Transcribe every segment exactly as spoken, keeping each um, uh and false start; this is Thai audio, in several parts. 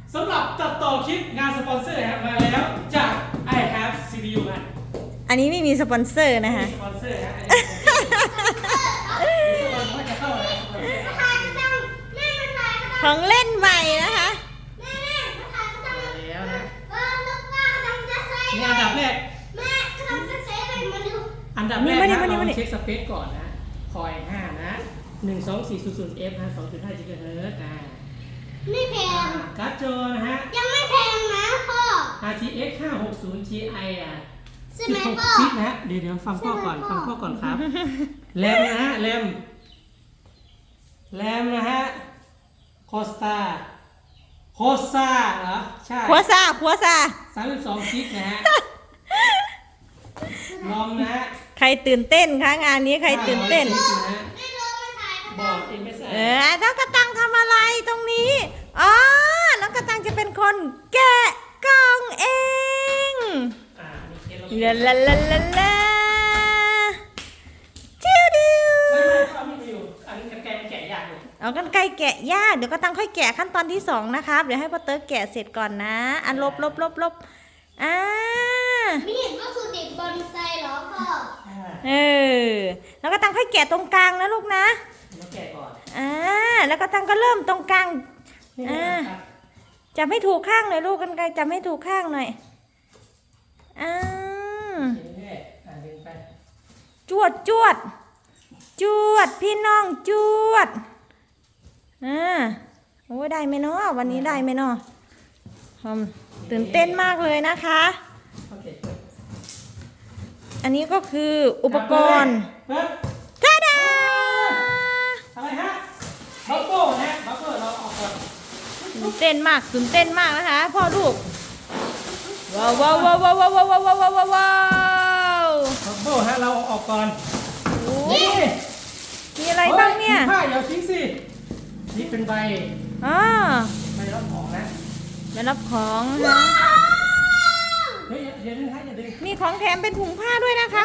สำหรับตัดต่อคลิปงานสปอนเซอร์ครับมาแล้วจาก I have ซี พี ยู ฮะอันนี้ไม่มีสปอนเซอร์นะคะสปอนเซอร์ฮะอันนี้สปอนเซอร์จะเข้าแล้วของเล่นใหม่นะคะแล้วนะนี่อันดับแรกอันดับแรกนะเราเช็คสเปคก่อนนะคอยห้านะหนึ่งสองสี่ศูนย์ศูนย์เอฟนะสองจุดห้าจิกะเฮิร์ตซ์อ่าไม่แพงการ์ดจอนะฮะยังไม่แพงนะพ่ออาร์ ที เอ็กซ์ ห้าหกศูนย์ ที ไอ อ่ะใช่ไหมพ่อชิปนะฮะเดี๋ยวเดี๋ยวฟังพ่อก่อนฟังพ่อก่อนครับแรมนะฮะแรมแรมนะฮะโคสตาโคสตาเหรอใช่ขัวซาขัวซาสามสิบสองชิปนะฮะลอมนะฮะใครตื่นเต้นคะงานนี้ใครตื่นเต้นบอร์ด เอ็ม เอส ไอเออน้องกระตังทำอะไรตรงนี้อ๋อน้องกระตังจะเป็นคนแกะกล่องเองลาลาลาลาลาจิ้วดิวไม่ไม่เขาไม่อยู่อันนี้กันไกลแกะยากอยู่เอากันไกลแกะยากเดี๋ยวกระตังค่อยแกะขั้นตอนที่สองนะครับเดี๋ยวให้พ่อเติร์กแกะเสร็จก่อนนะอันลบลบลบลบอ่าไม่เห็นว่าคือเด็กบอลไซเหรอพ่อเออแล้วก็ตังค่อยแกะตรงกลางนะลูกนะแล้วแกะก่อนอ่าแล้วก็ตังก็เริ่มตรงกลางอ่าจับให้ถูกข้างหน่อยลูกกันไกลจับให้ถูกข้างหน่อยอ่าจวดจวดจวดพี่น้องจวดอ่าโอ้ได้ไหมเนาะวันนี้ได้ไหมเนาะตื่นเต้นมากเลยนะคะอันนี้ก็คืออุปกรณ์จ้าดาอะไรฮะบัฟเฟิลนะบัฟเฟิลเราออกก่อนตื่นเต้นมากตื่นเต้นมากนะคะพ่อลูกว้าวว้าวว้าวว้าวว้าวว้าวว้าวว้าวว้าวบัฟเฟิลฮะเราออกก่อนนี่มีอะไรบ้างเนี่ยผ้าอย่าทิ้งสินี่เป็นใบอ๋อใบรับของนะใบรับของนะเฮ้ยอย่าดึงฮะอย่าดึงมีของแถมเป็นถุงผ้าด้วยนะคะ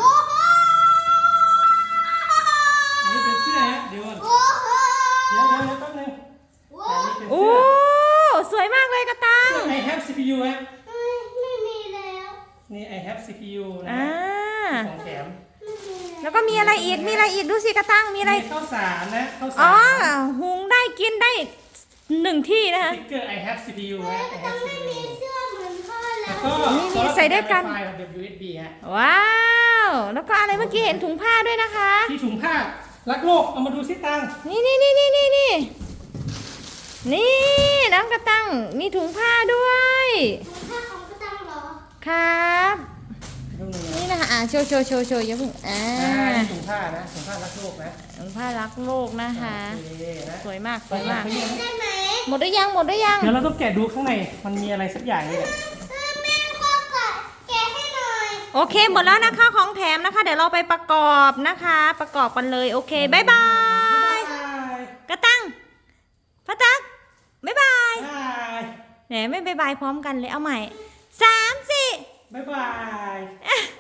อันนี้เป็นเสื้อฮะเดี๋ยวเดี๋ยวเดี๋ยวแป๊บนึงโอ้สวยมากเลยกระตัง I have ซี พี ยู ฮะไม่มีแล้วนี่ I have ซี พี ยู นะของแถมแล้วก็มีอะไรอีกมีอะไรอีกดูสิกระตังมีอะไรข้าวสารนะข้าวสารอ๋อหุงได้กินได้หนึ่งที่นะคะสติ๊กเกอร์ I have ซี พี ยู ฮะ I have ซี พี ยูเสื้อเหมือนพ่อแล้วก็นี่มีใส่ได้กันดับเบิลยู เอส บี ฮะว้าวแล้วก็อะไรเมื่อกี้เห็นถุงผ้าด้วยนะคะที่ถุงผ้ารักโลกเอามาดูสิตังนี่นี่นี่นี่นี่นี่นี่น้องกระตังมีถุงผ้าด้วยถุงผ้าของกระตังเหรอครับนี่นะคะอ่าโชว์โชว์โชว์โชว์อย่าเพิ่งอ่าถุงผ้านะถุงผ้ารักโลกนะถุงผ้ารักโลกนะคะสวยมากสวยมากได้ไหมหมดหรือยังหมดหรือยังเดี๋ยวเราต้องแกะดูข้างในมันมีอะไรสักอย่างนี่แหละแม่พ่อแกะให้หน่อยโอเคหมดแล้วนะคะของแถมนะคะเดี๋ยวเราไปประกอบนะคะประกอบกันเลยโอเคบายบายกระตังพระตักบายบายแหมไม่บายบายพร้อมกันเลยเอาใหม่สามสี่บายบาย